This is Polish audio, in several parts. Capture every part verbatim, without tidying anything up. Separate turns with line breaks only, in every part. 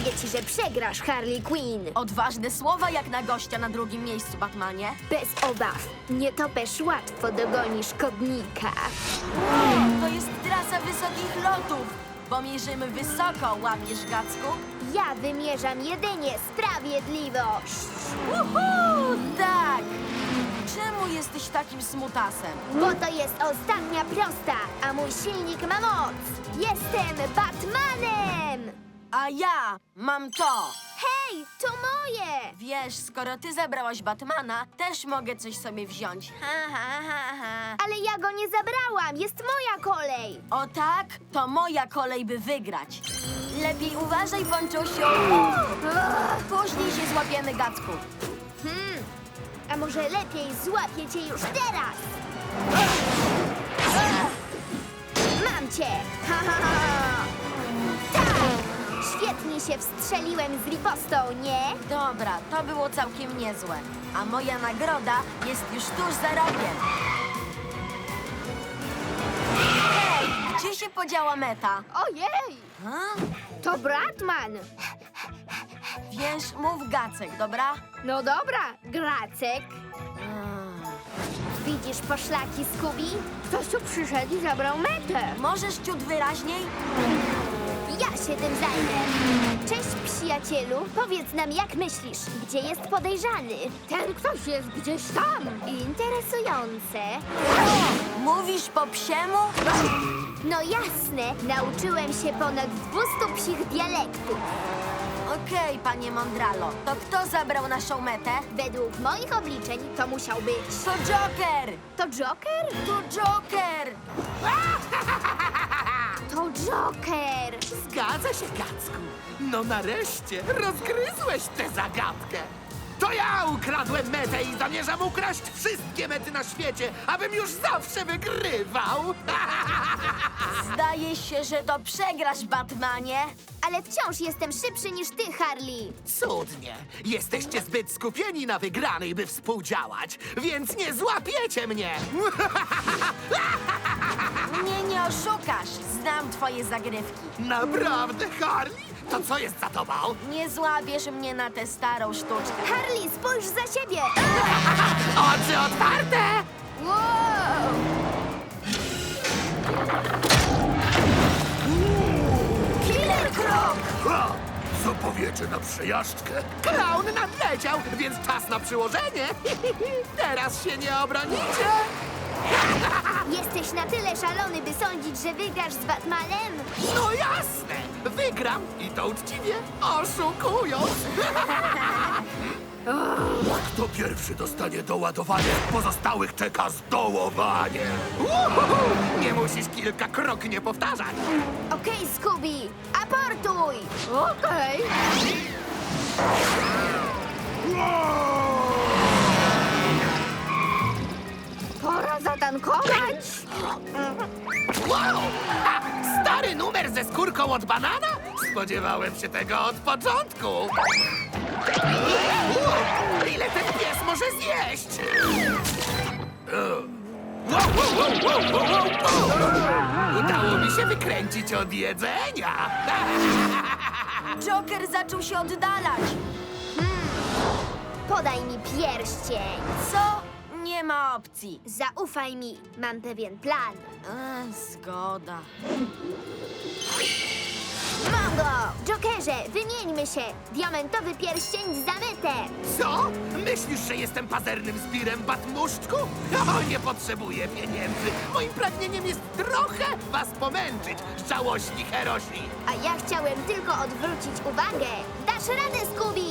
Mówię ci, że przegrasz, Harley Quinn.
Odważne słowa jak na gościa na drugim miejscu, Batmanie.
Bez obaw. Nie topesz łatwo dogonisz Kodnika.
To jest trasa wysokich lotów, bo mierzymy wysoko, łapiesz, Gacku?
Ja wymierzam jedynie sprawiedliwość.
Uhu, tak! Czemu jesteś takim smutasem?
Bo to jest ostatnia prosta, a mój silnik ma moc. Jestem Batmanem!
A ja mam to.
Hej, to moje!
Wiesz, skoro ty zabrałaś Batmana, też mogę coś sobie wziąć. Ha, ha, ha, ha.
Ale ja go nie zabrałam, jest moja kolej.
O tak? To moja kolej, by wygrać. Lepiej uważaj, Ponczusiu. Później się złapiemy, Gacku.
Hmm, a może lepiej złapię cię już teraz? Mam cię! Ha, ha, ha. Tak! Świetnie się wstrzeliłem z ripostą, nie?
Dobra, to było całkiem niezłe. A moja nagroda jest już tuż za rogiem. Hej, gdzie się podziała Meta?
Ojej!
Ha?
To Batman!
Wiesz, mów Gacek, dobra?
No dobra, Gracek.
Mm.
Widzisz poszlaki, Scooby? Ktoś tu przyszedł i zabrał metę.
Możesz ciut wyraźniej?
Ja się tym zajmę. Cześć, przyjacielu. Powiedz nam, jak myślisz, gdzie jest podejrzany? Ten ktoś jest gdzieś tam. Interesujące.
Mówisz po psiemu?
No jasne, nauczyłem się ponad dwustu psich dialektów.
Okej, panie Mondralo. To kto zabrał naszą metę?
Według moich obliczeń to musiał być...
To Joker!
To Joker?
To Joker!
To Joker!
Zgadza się, Gacku. No nareszcie rozgryzłeś tę zagadkę. To ja ukradłem metę i zamierzam ukraść wszystkie mety na świecie, abym już zawsze wygrywał.
Zdaje się, że to przegrasz, Batmanie.
Ale wciąż jestem szybszy niż ty, Harley.
Cudnie. Jesteście zbyt skupieni na wygranej, by współdziałać, więc nie złapiecie mnie.
Mnie nie oszukasz. Znam twoje zagrywki.
Naprawdę, Harley? To co jest za tobą?
Nie złapiesz mnie na tę starą sztuczkę.
Harley, spójrz za siebie!
Oczy otwarte!
Wow!
Killer Krok!
Ha! Co powiecie na przejażdżkę? Klaun nadleciał, więc czas na przyłożenie. Teraz się nie obronicie.
Jesteś na tyle szalony, by sądzić, że wygrasz z Batmanem?
No jasne! Wygram i to uczciwie, oszukując. Kto pierwszy dostanie doładowanie, pozostałych czeka zdołowanie. Uhuhu! Nie musisz kilka kroknie powtarzać.
Okej, Scooby, aportuj! Okej. Pora zatankować.
Wow! Ha! Stary numer ze skórką od banana? Spodziewałem się tego od początku. Wow! Ile ten pies może zjeść? Wow, wow, wow, wow, wow, wow. Udało mi się wykręcić od jedzenia.
Joker zaczął się oddalać.
Podaj mi pierścień.
Co? Nie ma opcji.
Zaufaj mi, mam pewien plan.
Ech, zgoda.
Mam go! Jokerze, wymieńmy się! Diamentowy pierścień za metę!
Co? Myślisz, że jestem pazernym zbirem, Batmuszczku? O, nie potrzebuję pieniędzy. Moim pragnieniem jest trochę was pomęczyć, żałośni herosi.
A ja chciałem tylko odwrócić uwagę. Dasz radę, Scooby!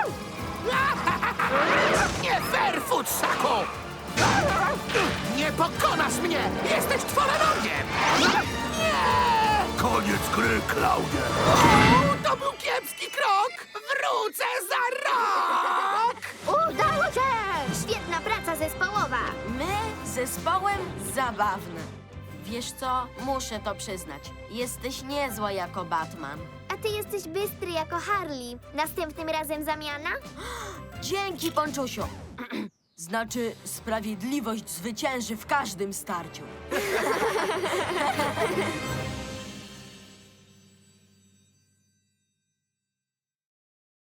Nie fair, futrzaku! Nie pokonasz mnie! Jesteś czworonogiem! Nie! Koniec gry, Klaunie! O, to był kiepski krok! Wrócę za rok!
Udało się! Świetna praca zespołowa!
My zespołem zabawne. Wiesz co? Muszę to przyznać. Jesteś niezła jako Batman.
A ty jesteś bystry jako Harley. Następnym razem zamiana?
Dzięki, Ponczusiu. Znaczy, sprawiedliwość zwycięży w każdym starciu.